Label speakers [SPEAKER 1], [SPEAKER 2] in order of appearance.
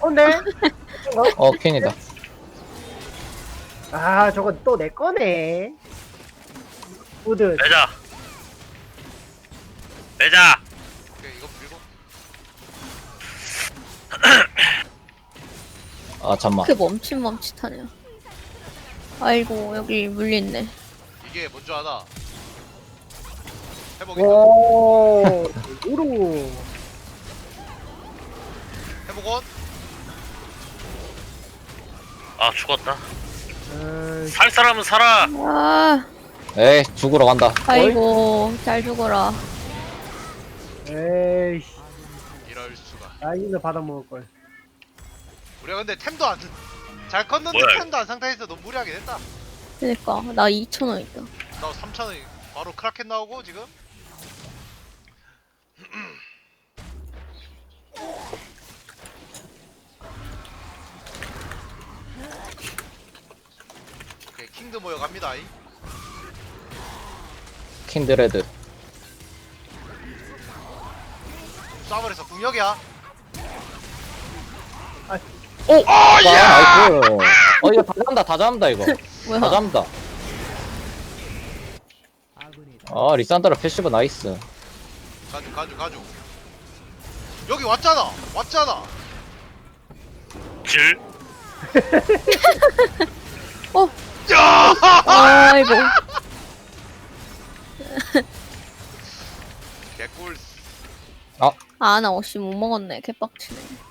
[SPEAKER 1] 네?
[SPEAKER 2] 퀸이다.
[SPEAKER 1] 아, 저건 또 내 거네. 우드.
[SPEAKER 3] 매자. 매자.
[SPEAKER 4] 오케이 이거 밀고.
[SPEAKER 2] 아, 잠만.
[SPEAKER 5] 그 멈칫멈칫하네요. 아이고 여기 물리있네.
[SPEAKER 4] 이게 뭔 줄 아나?
[SPEAKER 1] 어.
[SPEAKER 4] 회복이다.
[SPEAKER 1] 오, 우루.
[SPEAKER 4] 회복원.
[SPEAKER 3] 아 죽었다.
[SPEAKER 1] 음,
[SPEAKER 3] 살 사람은 살아.
[SPEAKER 5] 아
[SPEAKER 2] 에이, 죽으러 간다.
[SPEAKER 5] 아이고 잘 죽어라.
[SPEAKER 1] 에이씨.
[SPEAKER 4] 이럴 수가.
[SPEAKER 1] 라인을 받아먹을 걸.
[SPEAKER 4] 우리가 근데 템도 안 잘 컸는데
[SPEAKER 3] 뭐야?
[SPEAKER 4] 템도 안 상태에서 너무 무리하게 됐다.
[SPEAKER 5] 그니까 나 2,000원 있다.
[SPEAKER 4] 나 3,000원 바로 크라켄 나오고 지금. 오케이 킹드 모여 갑니다.
[SPEAKER 2] 킨드레드.
[SPEAKER 4] 싸버려서 궁역이야.
[SPEAKER 2] 아, 나이스. 이거 다 잡는다, 다 잡는다, 이거. 다
[SPEAKER 5] 뭐야?
[SPEAKER 2] 잡는다. 아, 리산드라 패시브 나이스.
[SPEAKER 4] 가주. 여기 왔잖아.
[SPEAKER 3] 질.
[SPEAKER 5] 어. 아이고.
[SPEAKER 4] 개꿀.
[SPEAKER 5] 아 나 옷이 못 먹었네. 개빡치네.